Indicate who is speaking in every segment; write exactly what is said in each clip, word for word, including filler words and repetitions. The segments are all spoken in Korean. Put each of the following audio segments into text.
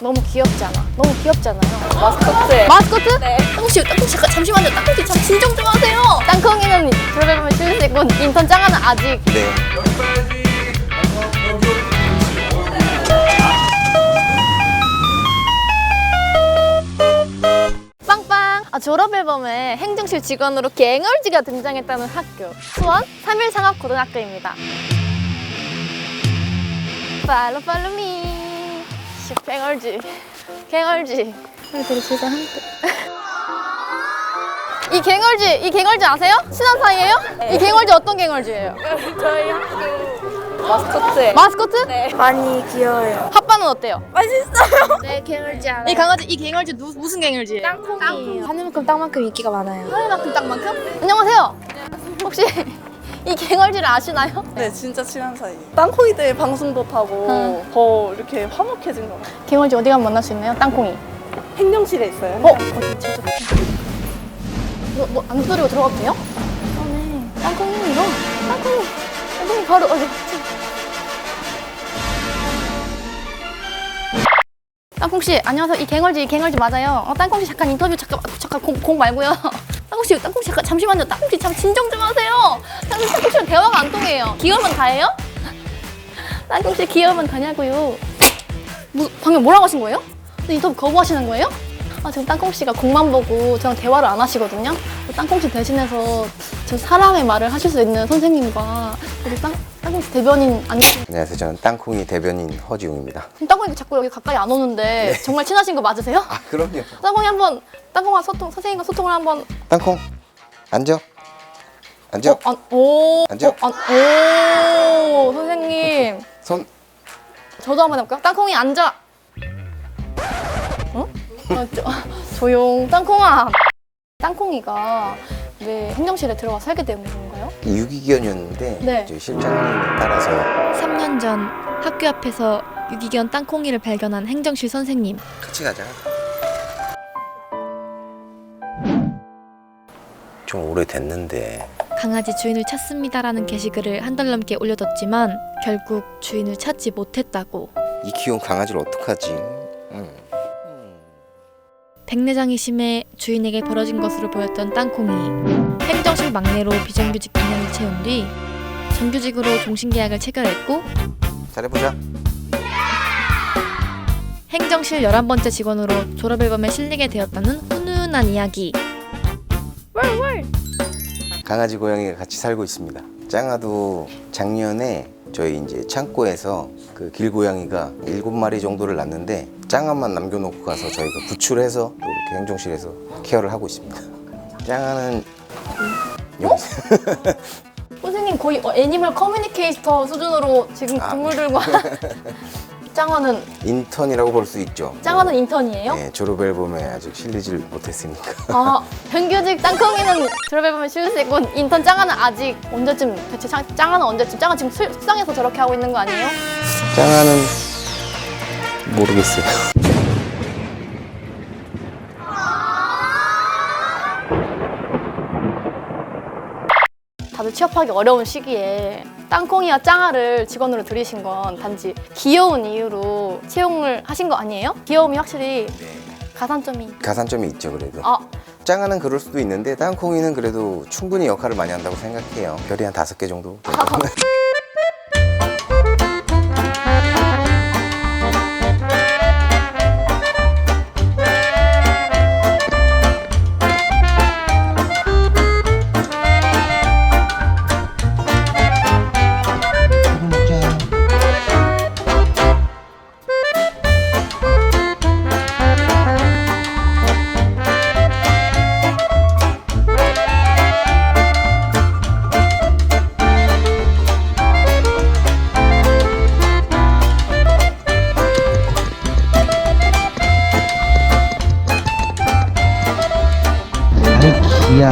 Speaker 1: 너무 귀엽지 않아? 너무 귀엽잖아요.
Speaker 2: 마스코트.
Speaker 1: 마스코트?
Speaker 2: 네.
Speaker 1: 땅콩씨, 땅콩씨, 잠시만요. 땅콩씨, 참 진정 좀 하세요. 땅콩이는 들어가면 쉴 수 있고, 인턴 짱아는 아직.
Speaker 3: 네.
Speaker 1: 빵빵! 아, 졸업 앨범에 행정실 직원으로 갱얼지가 등장했다는 학교. 수원 삼일상업고등학교입니다. 팔로 팔로 미. 씨, 갱얼지. 갱얼지. 우리 되게 죄송한데. 이 갱얼지, 이 갱얼지 아세요? 친한 사이예요? 이 갱얼지 어떤 갱얼지예요?
Speaker 2: 저희 학교 마스코트.
Speaker 1: 마스코트?
Speaker 2: 네. 많이 귀여워요.
Speaker 1: 핫바는 어때요?
Speaker 2: 맛있어요. 네, 갱얼지 알아요.
Speaker 1: 이 강아지, 이 갱얼지 누, 무슨 갱얼지예요?
Speaker 2: 땅콩이에요. 하늘만큼 땅만큼 인기가 많아요.
Speaker 1: 하늘만큼 땅만큼? 안녕하세요. 혹시 이 갱얼지를 아시나요?
Speaker 4: 네, 진짜 친한 사이. 땅콩이들 방송도 타고
Speaker 1: 응.
Speaker 4: 더 이렇게 화목해진 것 같아요.
Speaker 1: 갱얼지 어디 가면 만날 수 있나요? 땅콩이.
Speaker 4: 행정실에 있어요.
Speaker 1: 어? 어디 진짜 뭐, 뭐, 안 두드리고 들어가도 돼요? 그러네. 땅콩이 이거? 땅콩이. 땅콩이 바로 어디 갔지? 땅콩씨, 안녕하세요. 이 갱얼지, 이 갱얼지 맞아요. 어, 땅콩씨 잠깐 인터뷰 잠깐, 잠깐 공, 공 말고요. 땅콩씨, 땅콩씨 잠깐 잠시만요. 땅콩씨 잠 진정 좀 하세요. 땅콩씨, 땅콩씨랑 대화가 안 통해요. 귀여우면 다예요? 땅콩씨 귀여우면 다냐고요. 뭐, 방금 뭐라고 하신 거예요? 근데 인터뷰 거부하시는 거예요? 아, 지금 땅콩씨가 공만 보고 저랑 대화를 안 하시거든요. 땅콩씨 대신해서 저 사랑의 말을 하실 수 있는 선생님과 우리 땅, 땅콩씨 대변인 아니
Speaker 3: 안녕하세요. 저는 땅콩이 대변인 허지웅입니다.
Speaker 1: 땅콩이 자꾸 여기 가까이 안 오는데 정말 친하신 거 맞으세요?
Speaker 3: 아, 그럼요.
Speaker 1: 땅콩이 한번 땅콩과 소통 선생님과 소통을 한번
Speaker 3: 땅콩, 앉아. 앉아.
Speaker 1: 어, 안, 오,
Speaker 3: 앉아.
Speaker 1: 어, 안, 오, 선생님
Speaker 3: 손.
Speaker 1: 저도 한번 해볼까요? 땅콩이 앉아. 어? 아, 저, 조용. 땅콩아. 땅콩이가 왜 행정실에 들어가 살게 된 건가요?
Speaker 3: 유기견이었는데
Speaker 1: 네.
Speaker 3: 저희 실장님 따라서
Speaker 5: 삼 년 전 학교 앞에서 유기견 땅콩이를 발견한 행정실 선생님.
Speaker 3: 같이 가자. 좀 오래됐는데
Speaker 5: 강아지 주인을 찾습니다라는 게시글을 한 달 넘게 올려뒀지만 결국 주인을 찾지 못했다고.
Speaker 3: 이 귀여운 강아지를 어떡하지? 응.
Speaker 5: 백내장이 심해 주인에게 벌어진 것으로 보였던 땅콩이 행정실 막내로 비정규직 이 년을 채운 뒤 정규직으로 종신계약을 체결했고
Speaker 3: 잘해보자.
Speaker 5: 행정실 열한 번째 직원으로 졸업앨범에 실리게 되었다는 훈훈한 이야기.
Speaker 3: 강아지 고양이가 같이 살고 있습니다. 짱아도 작년에 저희 이제 창고에서 그 길고양이가 일곱 마리 정도를 낳는데 짱아만 남겨놓고 가서 저희가 구출해서 또 이렇게 행정실에서 케어를 하고 있습니다. 짱아는 여기
Speaker 1: 선생님 거의 어, 애니멀 커뮤니케이터 수준으로 지금
Speaker 3: 아.
Speaker 1: 동물들과 짱어는
Speaker 3: 인턴이라고 볼 수 있죠.
Speaker 1: 짱어는 인턴이에요?
Speaker 3: 네, 졸업 앨범에 아직 실리질 못했으니까.
Speaker 1: 아, 정규직 땅콩이는 졸업해보면 쉴 수 있고 인턴 짱아는 아직 언제쯤 대체 짱, 짱아는 언제쯤 짱아 지금 술- 숙상해서 저렇게 하고 있는 거 아니에요?
Speaker 3: 짱아는 모르겠어요.
Speaker 1: 다들 취업하기 어려운 시기에 땅콩이와 짱아를 직원으로 들이신 건 단지 귀여운 이유로 채용을 하신 거 아니에요? 귀여움이 확실히 가산점이
Speaker 3: 가산점이 있죠, 그래도.
Speaker 1: 아,
Speaker 3: 짱아는 그럴 수도 있는데 땅콩이는 그래도 충분히 역할을 많이 한다고 생각해요. 별이 한 다섯 개 정도.
Speaker 6: 이야.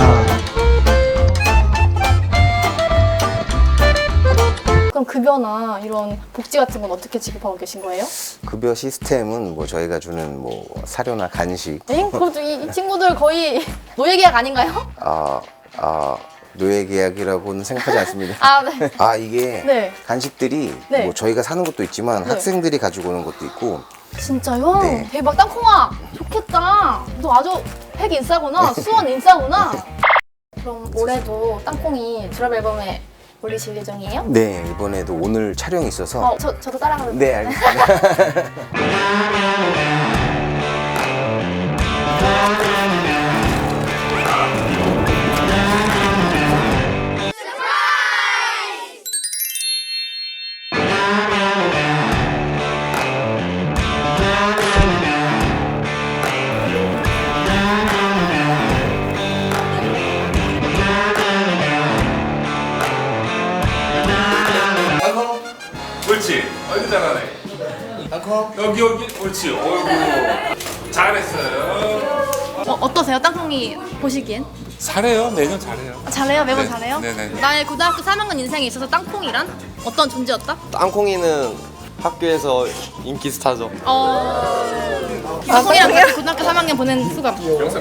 Speaker 1: 그럼 급여나 이런 복지 같은 건 어떻게 지급하고 계신 거예요?
Speaker 3: 급여 시스템은 뭐 저희가 주는 뭐 사료나 간식,
Speaker 1: 엥? 그럼 이, 이 친구들 거의 노예계약 아닌가요?
Speaker 3: 아, 아, 노예 계약이라고는 생각하지 않습니다.
Speaker 1: 아, 네.
Speaker 3: 아, 이게
Speaker 1: 네.
Speaker 3: 간식들이
Speaker 1: 네.
Speaker 3: 뭐 저희가 사는 것도 있지만
Speaker 1: 네.
Speaker 3: 학생들이 가지고 오는 것도 있고
Speaker 1: 진짜요?
Speaker 3: 네.
Speaker 1: 대박. 땅콩아 좋겠다. 너 아주 핵 인싸구나. 수원 인싸구나. 그럼 올해도 땅콩이 드랍 앨범에 올리실 예정이에요?
Speaker 3: 네, 이번에도 오늘 촬영이 있어서
Speaker 1: 어, 저, 저도 따라가면
Speaker 3: 네, 알겠습니다.
Speaker 6: 땅콩 옳지. 어이구 잘하네. 땅콩 여기 여기 옳지. 어이구 잘했어요.
Speaker 1: 어, 어떠세요? 땅콩이 보시기엔?
Speaker 6: 잘해요. 매년 잘해요.
Speaker 1: 잘해요? 매번
Speaker 6: 네,
Speaker 1: 잘해요?
Speaker 6: 네네네.
Speaker 1: 나의 고등학교 삼 학년 인생에 있어서 땅콩이란 어떤 존재였다?
Speaker 7: 땅콩이는 학교에서 인기 스타죠.
Speaker 1: 어... 땅콩이랑 같이 고등학교 삼 학년 보낸 수감.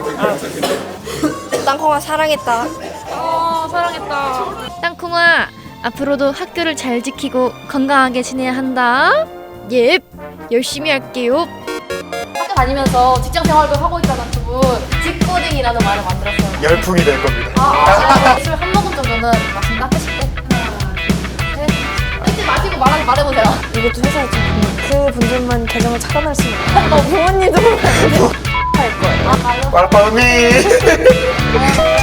Speaker 2: 땅콩아 사랑했다.
Speaker 1: 어, 사랑했다.
Speaker 5: 땅콩아, 앞으로도 학교를 잘 지키고 건강하게 지내야 한다. 예, 열심히 할게요.
Speaker 1: 학교 다니면서 직장 생활도 하고 있잖아, 두 분. 직고딩이라는 말을 만들었어요.
Speaker 8: 열풍이 될 겁니다.
Speaker 1: 아, 술 한 모금 정도는 마신다 하실 때? 하나, 셋. 셋 마시고 말하, 말해보세요.
Speaker 2: 이것도 회사에 좀그 분들만 계정을 차단할 수 있는. 어, 부모님도 보면 안 돼. 할 거예요.
Speaker 1: 아, 말로.
Speaker 8: 꽐빠미.